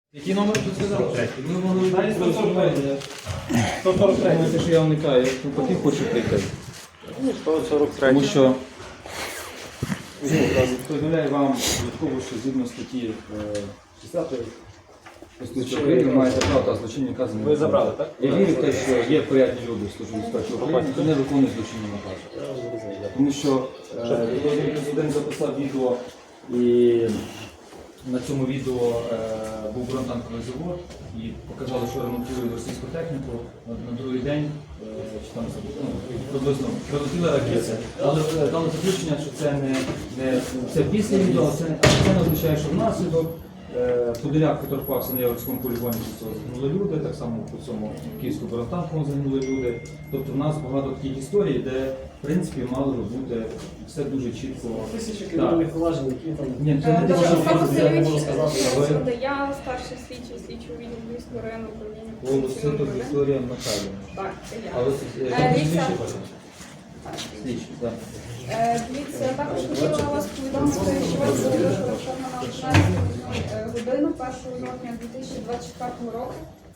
Який номер тут сказав? Ми могли знати 143. 143. Думаєте, що я уникаю. Я навпаки хочу прийти. 143. Тому що повідомляю вам додатково, що згідно статті 60 Конституції України ви маєте право та злочинні накази. Ви забрали, так? Я вірю в те, що є порядні люди в Службі безпеки України, які не виконують злочинні накази. Тому що президент записав відео і на цьому відео був бронетанковий завод і показали, що ремонтують російську техніку. На другий день чи там, приблизно прилетіли ракети. Але дали заключення, що це після відео, це не означає, що внаслідок. Подоляк поторпався на Яворському полігоні, що загинули люди, так само по цьому Київському бронетанковому загинули люди. Тобто в нас багато таких історій, де в принципі мало би бути все дуже чітко. Тисячі кримінальних проваджень, які там... Ні, це не те, що я не можу сказати. Я старший слідчий відділу Львівського районного управління. Волоситок Вікторія Михайлівна. Так, це я. Але Дивіться. слідчі, так. Дивіться, я також хотіла вас повідомити, що вас було розташовано на 11 годину 1 жовтня 2024 року.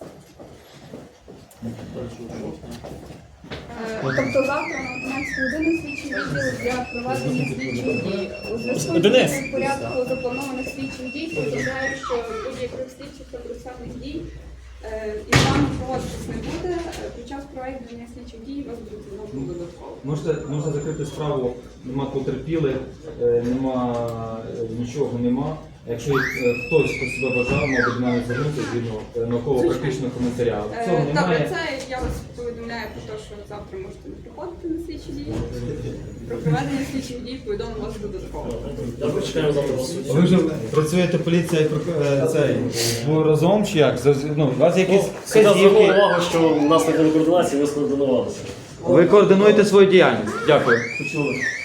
Тобто завтра на 11 годину слідчий відділ для проведення слідчих дій. У зв'язку з порядку запланованих слідчих дій повідомляю, що будь-яких слідчих та процесуальних дій і вами проводитись не буде. Під час проведення слідчих дій вас будуть знову додатково. Можете закрити справу, нема потерпілих, нема нічого нема. Якщо хтось, хто себе бажав, мабуть, навіть звернутися згідно науково-практичного коментаря. Цього Добре, немає. це я вас повідомляю про те, що завтра можете не приходити на слідчі дії. Про проведення слідчих дій повідомлю вас додатково. Добре, чекаємо завтра. Ви вже працюєте поліція і разом чи як? Ну, у вас якісь Я звернув вказівки? увагу, що у нас на координації ви скоординувалися. Ви координуєте свою діяльність. Дякую. Почули.